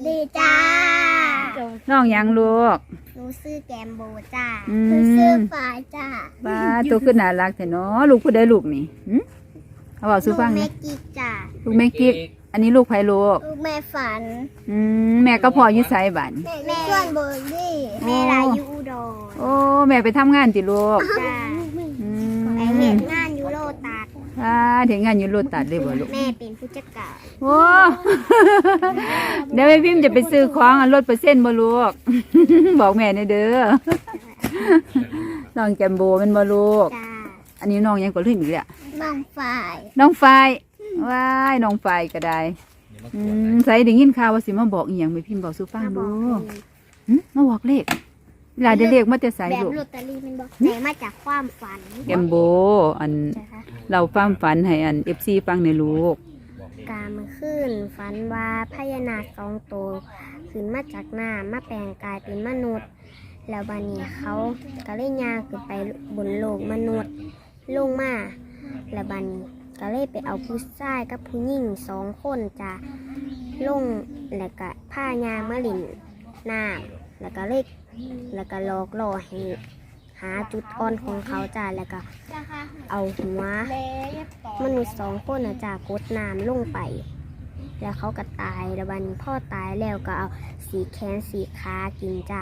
ดีจ้าน้องยังลูกหนูซื้อแกมโบจ้าหนูซื้อฝายจ้าบ้าตัวขึ้นน่ารักแท้เนาะลูกผู้ใดลูกนี่เอาบอกสู้ฟังลูกแม่นะกิ๊กจ้าลูกแม่กิ๊กอันนี้ลูกไผลูกลูกแม่ฝันแม่ก็พออยู่ไสบัดแม่ส่วนเบอร์ดี้แม่ลายอยู่อุดรโอ้แม่ไปทำงานติลูกจ้าไปเห็นงานยูโรตัดเห็นงานอยู่โลตัดเลยบ่ลูกแม่เป็นผู้จัดการโอ้เดี๋ยวแม่พิมพ์จะไปซื้อของลดเปอร์เซ็นต์บ่ลูกบอกแม่ในเด้อน้องแกมโบเป็นบ่ลูกอันนี้น้องยังก็ลืมอีกแล้วน้องฝ่ายว้ายน้องฝ่ายก็ได้ใส่ได้ยินข่าวว่าสิมาบอกอีหยังแม่พิมพ์บอกสู่ฟังดูมาบอกเลขเวลาได้เลขมาแต่ไสลูกแบบลอตเตอรี่มันบอกแต่มาจากความฝันแกมโบอันเราความฝันให้อัน FC ฟังในลูกกามาขึ้นฝันว่าพญานาค2 ตัวขึ้นมาจากน้ำมาแปลงกายเป็นมนุษย์แล้วบัดนี้เขาก็เลยย่างขึ้นไปบนโลกมนุษย์ลงมาแล้วบัดนี้ก็เลยไปเอาผู้ชายกับผู้หญิง2 คนจ้ะลงแล้วก็ผ้ายางมะลินน้ำแล้วก็หลอกล่อให้หาจุดอ่อนของเขาจ้ะแล้วก็เอาหัวมนุษย์2 คนนะจ้ะกดน้ำลงไปแล้วเขาก็ตายแล้วบัดนี้พ่อตายแล้วก็เอาสีแขนสีขากินจ้ะ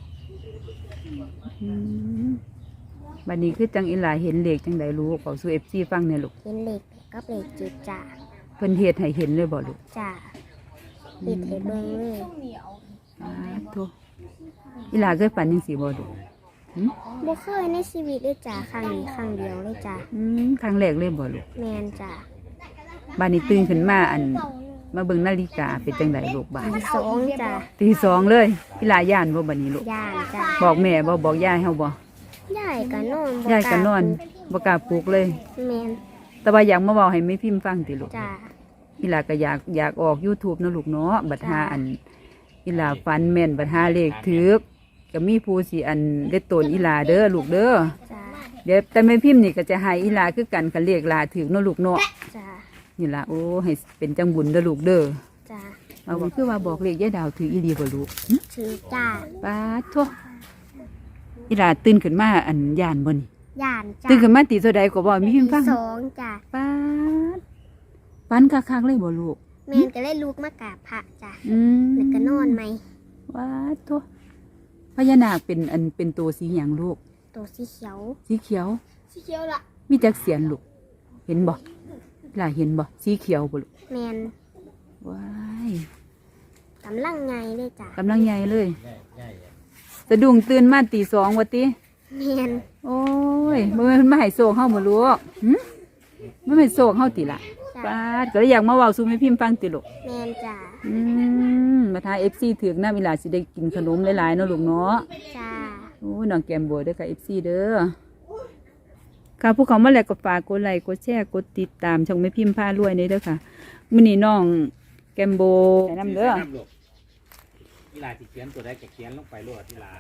บัดนี้คือจังอีหลาเห็นเลขจังใดลูกบอกสู่ FC ฟังเนี่ยลูกเห็นเลขกับเลข7จ้ะเพิ่นเฮ็ดให้เห็นเลยบ่ลูกจ้ะเฮ็ดให้เบิ่งเลยโธ่อีหลาเคยฝันจังซี่บ่ลูกบ่เคยในชีวิตเลยจ้ะครั้งนี้ครั้งเดียวเลยจ้ะครั้งแรกเลยบ่ลูกแม่นจ้ะบัดนี้ตื่นขึ้นมามาเบิ่งนาฬิกาเป็นจังไดลูกบัดตี 2จ้ะตี 2เลยอีหลาย่านบ่บัดนี้ลูกย่านจ้ะบอกแม่บ่บอกยายเฮาบ่ยายก็นอนบ่กล้าปลุกเลยแม่นแต่ว่าอยากมาเว้าให้แม่พิมพ์ฟังติลูกจ้ะอีหลาก็อยากออก YouTube เนาะลูกเนาะบัดหาอีหลาฝันแม่นบัดหาเลขถูกก็มีผู้สิได้ตนอีหลาเด้อลูกเด้อเดี๋ยวแต่แม่พิมพ์นี่ก็จะให้อีหลาคือกันคันเลขหลาถูกเนาะลูกเนาะจ้ะนี่ล่ะโอ้ให้เป็นจังบุญเด้อลูกเด้อจ้ะเอาว่าคือว่าบอกเลขยายดาวถูกอีหลีบ่ลูกถูกจ้ะป๊าดโธ่อีหลาตื่นขึ้นมาย่านบ่นี่ย่านจ้ะตื่นขึ้นมาตีเท่าใดก็บ่มีพิมพ์ฟัง 2จ้ะป๊าดฝันคักๆเลยบ่ลูกแม่นก็เลยลุกมากราบพระจ้ะแล้วก็นอนไหมว้าโธ่พญานาคเป็นตัวสีหยังลูกตัวสีเขียวสีเขียวล่ะมีจักเสียนลูกเห็นบ่ล่ะเห็นบ่สีเขียวบ่ลูกแม่นว้ายกำลังใหญ่เลยจ้ะกำลังใหญ่เลยสะดุ้งตื่นมาตี 2ว่าติแม่นโอ้ยมันมาให้โศกเฮาบ่ลูกมันให้โศกเฮาติล่ะป้าดก็เลยอยากมาเว้าสู่แม่พิมพ์ฟังติลูกแม่นจ้ะมาทา FC ถึกนะเวลาสิได้กินขนมหลายๆเนาะลูกเนาะจ้าโอ้น้องแกมบัวเด้อค่ะ FC เด้อค่ะผู้เขามาแล้วก็ฝากกดไลค์กดแชร์กดติดตามช่องแม่พิมพ์พารวยนี่เด้อค่ะมื้อนี้น้องแกมโบแนะนำเด้อที่ลาที่เขียนตัวใดก็เขียนลงไปโลดที่ลา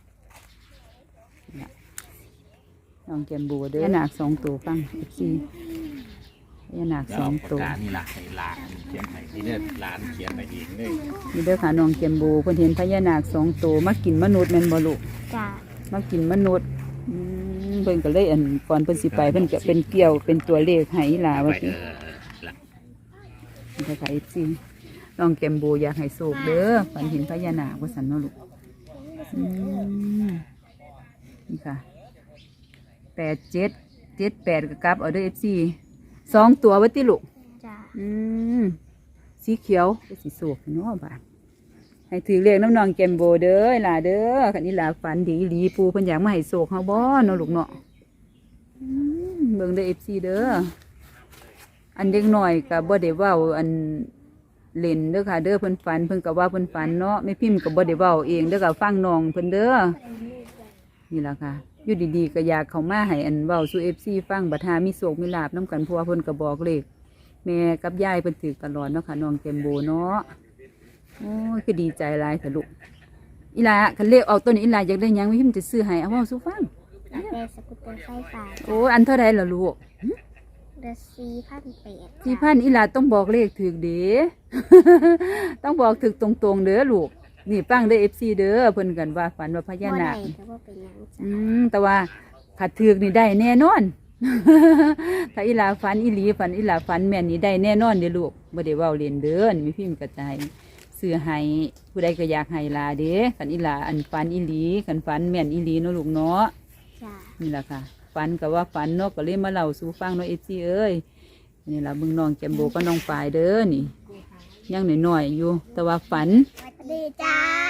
น้องแกมโบเด้อหนัก2ตัวฟัง FCหนัก2ตัวนี่ล่ะให้ลาเขียนให้ที่เด้อหลานเขียนไปเองเลยนี่เด้อค่ะน้องแกมโบเพิ่นเห็นพญานาค2ตัวมากินมนุษย์แม่นบ่ลูกจ้ามากินมนุษย์เพิ่นก็เลยก่อนเพิ่นสิไปเพิ่นก็เป็นเกี่ยวเป็นตัวเลขให้หลาว่าตินี่ค่ะ FC น้องแกมโบอยากให้โชคเด้อฝันเห็นพญานาคว่าซั่นเนาะลูกนี่ค่ะ87 78ก็กลับเอาเด้อ FC 2ตัวว่าติลูกจ้าสีเขียวสีโศกเนาะบาดให้ถือเลขน้ำนองแกมโบเด้อล่ะเด้อคันนี้ล่ะฝันดีหลีปูเพิ่นอยากมาให้โศกเฮาบ่เนาะลูกเนาะเบิ่งเด้อ FC เด้ออันเด็กน้อยก็บ่ได้เว้าเล่นเด้อค่ะเด้อเพิ่นฝันเพิ่นก็ว่าเพิ่นฝันเนาะแม่พิมพ์ก็บ่ได้เว้าเองเด้อก็ฟังน้องเพิ่นเด้อนี่ล่ะค่ะอยู่ดีๆก็อยากเข้ามาให้เว้าสู่ FC ฟังบัดหามีโศกมีลาภนำกันเพราะว่าเพิ่นก็บอกเลขแม่กับยายเพิ่นถือตลอดเนาะค่ะน้องแกมโบเนาะโอ้ยคือดีใจหลายเถอะลูกอีหลาคันเลขเอาตัวนี้อีหลาอยากได้หยังแม่พิมพ์จะซื้อให้เอาเว้าสู่ฟังอยากได้สกูตเตอร์ไฟฟ้าโอ้อันเท่าใดล่ะลูกเดือน4,800 4,000อีหลาต้องบอกเลขถูกเด้ ต้องบอกถูกตรงๆเด้อลูกนี่ฟังเด้อ FC เด้อเพิ่นกันว่าฝันว่าพญาบ่นาได้คก็บ่เป็นหยังจ้ะแต่ว่าขัดถือกนี่ได้แน่นอน ถ้าอีหลาฝันอีหลีฝันอีหลาฝันแม่นนี่ได้แน่นอนเด้อลูกบ่ได้เว้าเล่นเด้อนี่มีพิมพ์กระจายซื้อให้ผู้ใดก็อยากให้ลาเด้คันอีหลาอันฝันอีหลีคันฝันแม่นอีหลีเนาะลูกเนาะจ้ะนี่ล่ะค่ะฝันก็ว่าฝันเนาะก็เลยมาเล่าสู่ฟังเนาะ FC เอ้ยนี่ล่ะเบิ่งน้องแจมโบก็น้องปายเด้อนี่ยังน้อยๆอยู่แต่ว่าฝันสวัสดีจ้า